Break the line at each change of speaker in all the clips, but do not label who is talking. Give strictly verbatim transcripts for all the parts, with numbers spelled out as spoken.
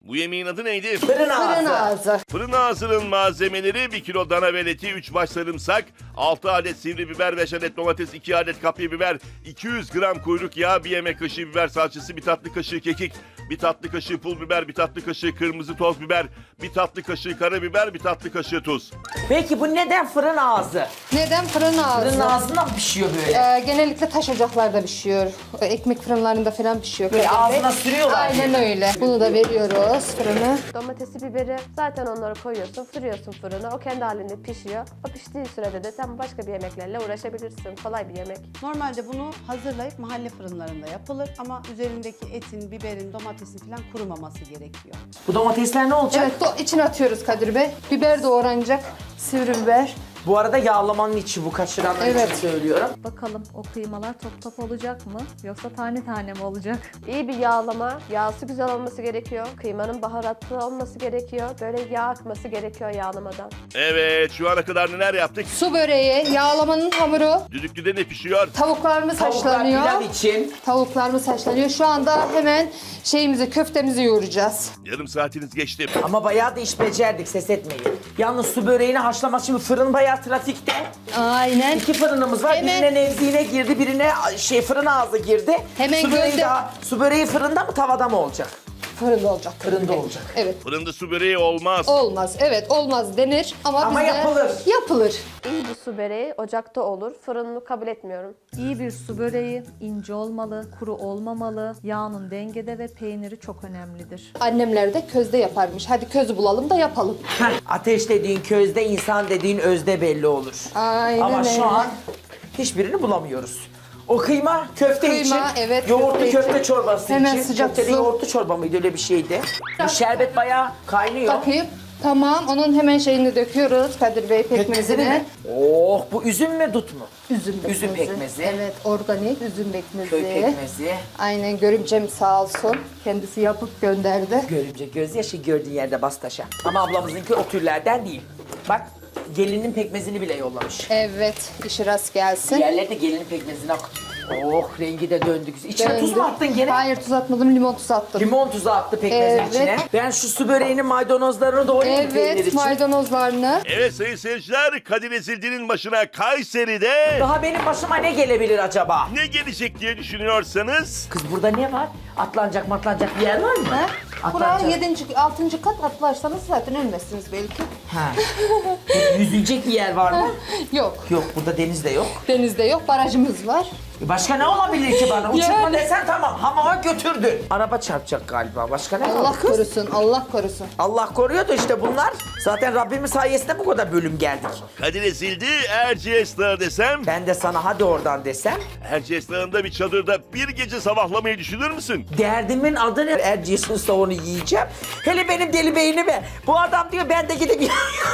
Bu yemeğin adı neydi?
Fırın ağzı.
Fırın ağzı.
Fırın ağzının malzemeleri bir kilo dana ve eti, üç baş sarımsak, altı adet sivri biber, beş adet domates, iki adet kapya biber, iki yüz gram kuyruk yağı, bir yemek kaşığı biber salçası, bir tatlı kaşığı kekik, bir tatlı kaşığı pul biber, bir tatlı kaşığı kırmızı toz biber, bir tatlı kaşığı karabiber, bir tatlı kaşığı tuz.
Peki bu neden fırın ağzı?
Neden fırın ağzı?
Fırın ağzında mı pişiyor böyle?
Ee, genellikle taş ocaklarda pişiyor. Ekmek fırınlarında falan pişiyor.
Böyle
Kadir Bey.
ağzına sürüyorlar.
Aynen öyle. Bunu da veriyoruz fırına.
Domatesi, biberi zaten onları koyuyorsun, fırıyorsun fırına. O kendi halinde pişiyor. O piştiği sürede de sen başka bir yemeklerle uğraşabilirsin. Kolay bir yemek.
Normalde bunu hazırlayıp mahalle fırınlarında yapılır ama üzerindeki etin, biberin, domatesin falan kurumaması gerekiyor.
Bu domatesler ne olacak?
Evet, do- içine atıyoruz Kadir Bey. Biber doğranacak. Sivri biber.
Bu arada yağlamanın içi bu, kaşıranlar
Evet.
için söylüyorum.
Bakalım o kıymalar top top olacak mı yoksa tane tane mi olacak?
İyi bir yağlama, yağsı güzel olması gerekiyor. Kıymanın baharatlı olması gerekiyor. Böyle yağ akması gerekiyor yağlamadan.
Evet, şu ana kadar neler yaptık?
Su böreği, yağlamanın hamuru.
Düdüklüde ne pişiyor?
Tavuklarımız
Tavuklar
haşlanıyor.
pilav için.
Tavuklarımız haşlanıyor. Şu anda hemen şeyimizi, köftemizi yoğuracağız.
Yarım saatiniz geçti.
Ama bayağı da iş becerdik, ses etmeyin. Yalnız su böreğini haşlamak, şimdi fırın bayağı trafikte.
Aynen.
İki fırınımız var.
Hemen-
Birine nevzine girdi, birine şey fırın ağzı girdi.
Hemen
su böreği
gönde-
daha, su böreği fırında mı tavada mı olacak?
Fırında olacak.
Fırında olacak.
Evet.
Fırında su böreği olmaz.
Olmaz. Evet, olmaz denir ama,
Ama
bizde
yapılır.
Yapılır.
İyi bir su böreği ocakta olur. Fırını kabul etmiyorum.
İyi bir su böreği ince olmalı, kuru olmamalı, yağının dengede ve peyniri çok önemlidir.
Annemler de közde yaparmış. Hadi közü bulalım da yapalım.
Heh, ateş dediğin közde, insan dediğin özde belli olur.
Aynen
Ama
öyle.
şu an hiçbirini bulamıyoruz. O kıyma köfte
Kıyma,
için,
evet,
yoğurtlu
köfte
köfte,
için.
çorbası
Hemen
için.
sıcak
Köfteli
su.
yoğurtlu çorba mıydı, öyle bir şeydi. Bu şerbet bayağı kaynıyor.
Bakayım. Tamam, onun hemen şeyini döküyoruz Kadir Bey,
Pekmezini
pekmezini.
mi? Oh, bu üzüm mü dut mu?
Üzüm pekmezi.
Üzüm pekmezi.
Evet, organik üzüm pekmezi.
Köy pekmezi.
Aynen, görümcem sağ olsun. Kendisi yapıp gönderdi.
Görümce gözyaşı gördüğün yerde bas taşa. Ama ablamızınki o türlerden değil. Bak, gelinin pekmezini bile yollamış.
Evet, işi rast gelsin.
Diğerleri de gelinin pekmezini akıtıyor. Oh, rengi de döndü. İçine tuz
Döndü.
mu attın gene?
Hayır, tuz atmadım, limon tuzu attım.
Limon tuzu attı pekmezin
Evet.
içine. Ben şu su böreğinin maydanozlarını doğrayayım peynir
Evet,
için.
maydanozlarını.
Evet sayın seyirciler, Kadir Ezildi'nin başına Kayseri'de
Daha benim başıma ne gelebilir acaba?
ne gelecek diye düşünüyorsanız...
Kız burada ne var? Atlanacak matlanacak bir yer var mı?
Ha? Bura
Atlanacak.
yedinci, altıncı kat atlarsanız zaten ölmezsiniz belki.
Ha. Yüzülecek bir yer var mı?
Yok,
Yok, burada deniz de yok.
denizde yok, barajımız var.
E Başka ne olabilir ki bana? Uçurma
Yani.
desen tamam, hamama götürdün. Araba çarpacak galiba. Başka ne
Allah
kaldı kız?
korusun, Allah korusun.
Allah koruyor da işte bunlar. Zaten Rabbimin sayesinde bu kadar bölüm geldik.
Kadir Ezildi, Erciyes Dağı desem...
Ben de sana hadi oradan desem.
Erciyes Dağı'nda bir çadırda bir gece sabahlamayı düşünür müsün?
Derdimin adı ne? Erciyes'in savunu yiyeceğim. Hele benim deli beynime. Bu adam diyor ben de gidip...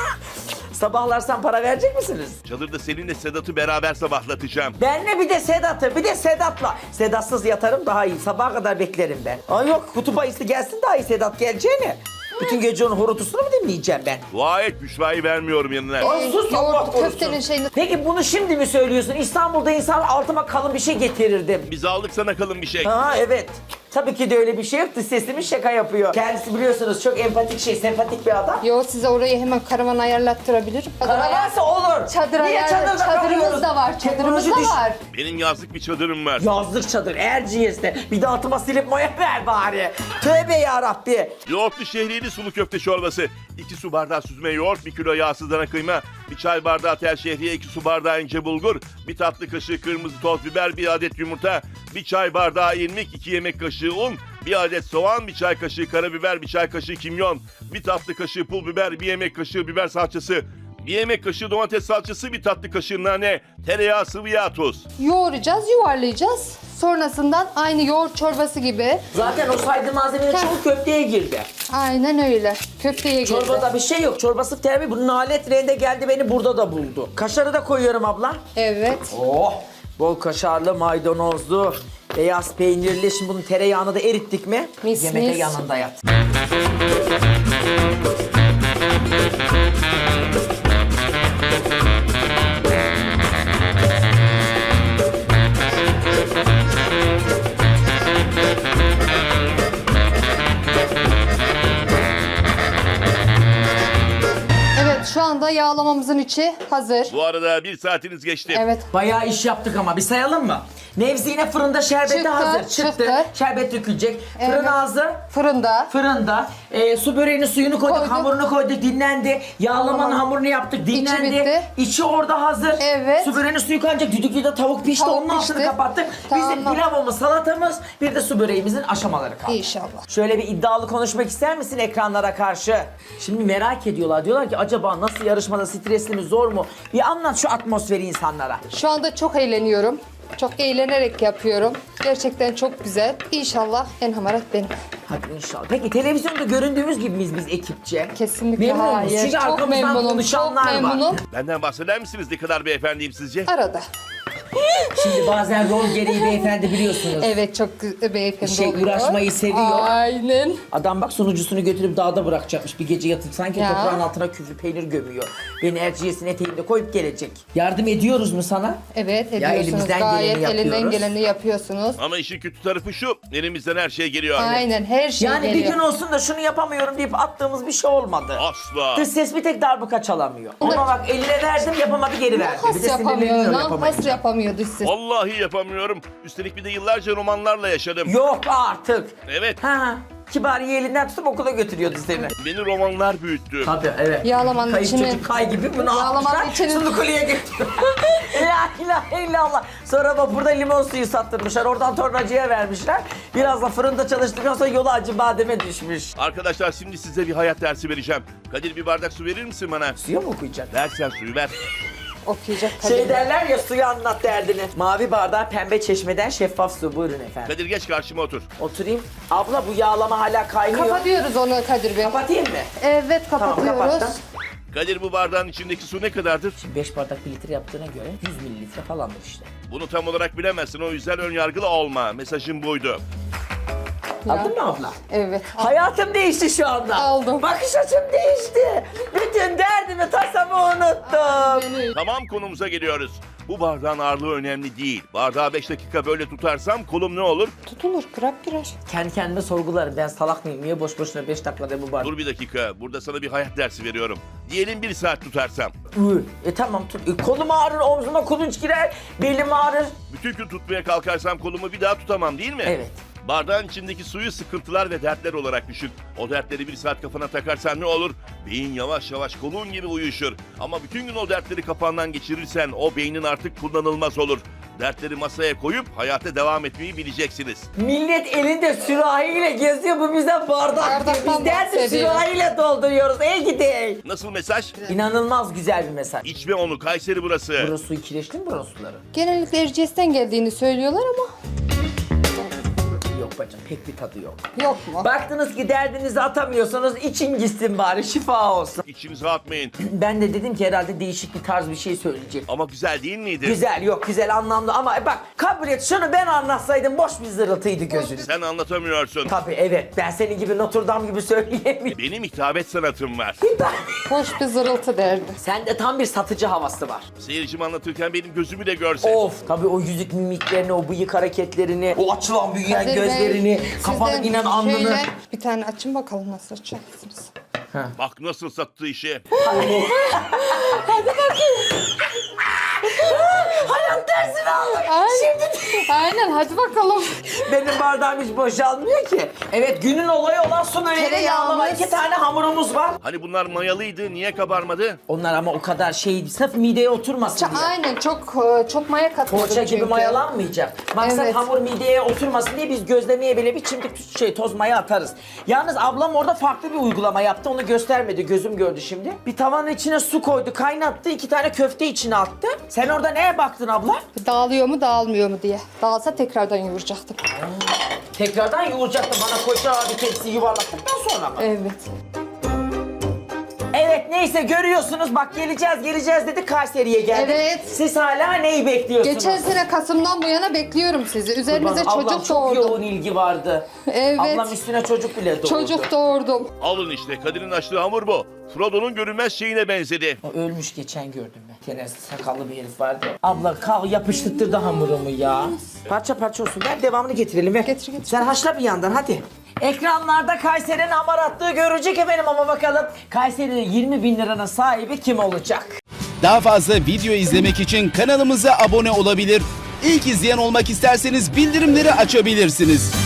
Sabahlarsan para verecek misiniz?
Çadırda seninle Sedat'ı beraber sabahlatacağım.
Benle bir de Sedat'ı, bir de Sedat'la. Sedatsız yatarım daha iyi. Sabaha kadar beklerim ben. Ay yok, kutup ayısı gelsin daha iyi Sedat geleceğine. Bütün gece onun horutusunu mu dinleyeceğim ben?
Dua et, Büşra'yı vermiyorum yanına.
Ay sus, Allah
Yoğurt
korusun.
köftenin şeyini...
Peki bunu şimdi mi söylüyorsun? İstanbul'da insan altıma kalın bir şey getirirdim.
Biz aldık sana kalın bir şey.
Ha evet. Tabii ki de öyle bir şey yoktu. Sesimi şaka yapıyor. Kendisi biliyorsunuz çok empatik şey, sempatik bir adam.
Yo, size orayı hemen karavan ayarlattırabilirim.
Karavansa olur.
Çadır
Niye
ayarla-
çadırda
çadırımız
kalıyoruz?
da var, çadırımız
Teknoloji
da
düş-
var.
Benim yazlık bir çadırım var.
Yazlık çadır Erciyes'te. Bir de altıma silip moya ver bari. Tövbe yarabbi.
Yoğurtlu şehriyeli sulu köfte çorbası. iki su bardağı süzme yoğurt, bir kilo yağsız dana kıyma, bir çay bardağı tel şehriye, iki su bardağı ince bulgur, bir tatlı kaşığı kırmızı toz biber, bir adet yumurta, bir çay bardağı irmik, iki yemek kaşığı un, bir adet soğan, bir çay kaşığı karabiber, bir çay kaşığı kimyon, bir tatlı kaşığı pul biber, bir yemek kaşığı biber salçası, bir yemek kaşığı domates salçası, bir tatlı kaşığı nane, tereyağı, sıvı yağ, tuz.
Yoğuracağız, yuvarlayacağız. Sonrasından aynı yoğurt çorbası gibi.
Zaten o saydığım malzemeler çoğu köfteye girdi.
Aynen öyle. Köfteye girdi.
Çorbada bir şey yok. Çorbası terbi. Bunun alet rende geldi beni burada da buldu. Kaşarı da koyuyorum abla.
Evet.
Oh! Bol kaşarlı, maydanozlu, beyaz peynirli. Şimdi bunun tereyağını da erittik mi?
Mis
Yemekte
mis.
yanında yat.
Şu anda yağlamamızın içi hazır.
Bu arada bir saatiniz geçti.
Evet.
Bayağı iş yaptık ama bir sayalım mı? Nevzi yine fırında şerbeti
Çıktı,
hazır. Çıktı.
çıktı.
Şerbet dökülecek. Fırın
Evet.
hazır.
Fırında.
Fırında. Ee, su böreğinin suyunu koyduk,
Koyduk.
hamurunu koyduk, dinlendi. Yağlamanın
Yağlama.
hamurunu yaptık, dinlendi.
bitti.
İçi orada hazır.
Evet.
Su böreğinin suyu kaynayacak. Düdüklü de tavuk pişti.
Tavuk
Onun altını
pişti.
kapattık.
Tamam.
Bizim pilavımız, salatamız, bir de su böreğimizin aşamaları kaldı.
İnşallah.
Şöyle bir iddialı konuşmak ister misin ekranlara karşı? Şimdi merak ediyorlar. Diyorlar ki acaba nasıl yarışmada, stresli mi, zor mu? Bir anlat şu atmosferi insanlara.
Şu anda çok eğleniyorum. Çok eğlenerek yapıyorum. Gerçekten çok güzel. İnşallah en hamarat benim.
Hadi inşallah. Peki televizyonda göründüğümüz gibi miyiz biz ekipçe?
Kesinlikle
Memnun musunuz?
hayır.
Çünkü
Çok
arkamızdan
memnunum. Çok
konuşanlar var.
memnunum.
Benden bahseder misiniz ne kadar beyefendiyim sizce?
Arada.
Şimdi bazen rol gereği beyefendi biliyorsunuz.
Evet çok gü- beyefendi
Şey,
oluyor.
uğraşmayı seviyor.
Aynen.
Adam bak sunucusunu götürüp dağda bırakacakmış bir gece yatıp sanki
Ya.
toprağın altına küflü peynir gömüyor. Beni Erciyes'in eteğinde koyup gelecek. Yardım ediyoruz mu sana?
Evet ediyorsunuz.
elimizden
Gayet
geleni
elinden
yapıyoruz.
geleni yapıyorsunuz.
Ama işin kötü tarafı şu, elimizden her şey geliyor.
Aynen her şey
Yani
geliyor.
bir gün olsun da şunu yapamıyorum deyip attığımız bir şey olmadı.
Asla.
Dış ses bir tek darbuka çalamıyor. Ona bak eline verdim yapamadı geri verdi. Bir
Has
de
yapamıyor.
sinirleniyor
Lan has
yapamayınca.
yapamıyor dış ses.
Vallahi yapamıyorum. Üstelik bir de yıllarca romanlarla yaşadım.
Yok artık.
Evet,
Ha, Kibariye elinden tutup okula götürüyordu seni.
beni romanlar büyüttü.
Tabii evet.
Yağlamanın
Kayıp
içine-
çocuk kay gibi bunu
Yağlamanın
almışlar.
içine-
Şimdi kuleye götürüyor. La ilahe illallah. Sonra bak burada limon suyu sattırmışlar. Oradan tornacıya vermişler. Biraz da fırında çalıştıktan sonra yolu acı bademe düşmüş.
Arkadaşlar şimdi size bir hayat dersi vereceğim. Kadir bir bardak su verir misin bana?
Suya mı okuyacak?
Versen suyu ver.
Okuyacak
Şey
Kadir Bey.
derler ya suyu anlat derdini. Mavi bardağı pembe çeşmeden şeffaf su. Buyurun efendim.
Kadir geç karşıma otur.
Oturayım. Abla bu yağlama hala kaynıyor.
Kapatıyoruz onu Kadir Bey.
Kapatayım mı?
Evet
Tamam
kapatıyoruz.
kapattım.
Kadir bu bardağın içindeki su ne kadardır?
Şimdi beş bardak bir litre yaptığına göre yüz mililitre falandır işte.
Bunu tam olarak bilemezsin, o yüzden ön yargılı olma. Mesajım buydu.
Aldın mı abla?
Evet.
Hayatım değişti şu anda.
Aldım.
Bakış açım değişti. Bütün derdimi tasamı unuttum.
Tamam, konumuza geliyoruz. Bu bardağın ağırlığı önemli değil. Bardağı beş dakika böyle tutarsam kolum ne olur?
Tutulur, kırak girer.
Kendi kendime sorgularım. Ben salak mıyım? Niye boş boşuna beş dakikada bu bardak?
Dur bir dakika, burada sana bir hayat dersi veriyorum. Diyelim bir saat tutarsam.
Ü, E tamam tut. E, kolum ağrır, omzuma kulunç girer, belim ağrır.
Bütün gün tutmaya kalkarsam kolumu bir daha tutamam değil mi?
Evet.
Bardağın içindeki suyu sıkıntılar ve dertler olarak düşün. O dertleri bir saat kafana takarsan ne olur? Beyin yavaş yavaş kolun gibi uyuşur. Ama bütün gün o dertleri kafandan geçirirsen o beynin artık kullanılmaz olur. Dertleri masaya koyup hayata devam etmeyi bileceksiniz.
Millet elinde sürahiyle geziyor, bu bize bardak diyor.
Bardaktan
Biz derdi
bahsediyor.
sürahiyle dolduruyoruz. Ey gidey.
Nasıl mesaj?
İnanılmaz güzel bir mesaj.
İçme onu, Kayseri burası.
Burası suyu kireçli mi burası suları?
Genellikle Erciyes'ten geldiğini söylüyorlar ama
Yok bacım pek bir tadı yok.
yok mu?
Baktınız ki derdinizi atamıyorsanız için gitsin bari şifa olsun.
İçinize atmayın.
Ben de dedim ki herhalde değişik bir tarz bir şey söyleyecek.
Ama güzel değil miydi?
Güzel yok güzel anlamlı ama bak kabul et şunu ben anlatsaydım boş bir zırıltıydı gözünü.
Sen anlatamıyorsun.
Tabii evet ben senin gibi Notre Dame gibi söyleyemiyorum.
Benim hitabet sanatım var.
Hoş bir zırıltı derdi.
Sende tam bir satıcı havası var.
Seyircim anlatırken benim gözümü de görse.
Of tabii o yüzük mimiklerini, o bıyık hareketlerini, o açılan büyüyen
Kadir Bey,
gözlerini, kafanın
sizden
inen alnını.
şöyle bir tane açın bakalım nasıl açacaksınız.
Bak nasıl sattı işi.
Hayat dersini aldık.
Aynen. Aynen hadi bakalım.
Benim bardağım hiç boşalmıyor ki. Evet günün olayı olan su böreğiyle
Tereyağımız.
yağlama iki tane hamurumuz var.
Hani bunlar mayalıydı, niye kabarmadı?
Onlar ama o kadar şey sırf mideye oturmasın diye.
Aynen çok çok maya katmadım
Poğaça gibi
çünkü.
mayalanmayacak. Maksat
Evet.
hamur mideye oturmasın diye biz gözlemeye bile bir çimdik şey toz maya atarız. Yalnız ablam orada farklı bir uygulama yaptı. Onu göstermedi. Gözüm gördü şimdi. Bir tavanın içine su koydu, kaynattı. iki tane köfte içine attı. Sen orada neye baktın abla?
Dağılıyor mu dağılmıyor mu diye. Dağılsa tekrardan yoğuracaktım.
Tekrardan yoğuracaktı bana koca bir tepsi yuvarlattıktan sonra mı?
Evet.
Evet neyse görüyorsunuz bak geleceğiz geleceğiz dedi Kayseri'ye geldik.
Evet.
Siz hala neyi bekliyorsunuz?
Geçen sene Kasım'dan bu yana bekliyorum sizi. Üzerinize
Ablam
çocuk
çok
doğurdum.
yoğun ilgi vardı.
Evet.
Ablam üstüne çocuk bile doğurdu.
Çocuk doğurdum.
Alın işte, Kadir'in açtığı hamur bu. Frodo'nun görünmez şeyine benzedi.
O ölmüş geçen gördüm ben. Gene sakallı bir herif vardı. Abla kal yapıştırdı hamurumu ya. Parça parça olsun. Ver devamını getirelim ver.
Getir, getir.
Sen haşla bir yandan hadi. Ekranlarda Kayseri'nin hamaratlığı görecek efendim ama bakalım Kayseri'nin yirmi bin liranın sahibi kim olacak?
Daha fazla video izlemek için kanalımıza abone olabilir. İlk izleyen olmak isterseniz bildirimleri açabilirsiniz.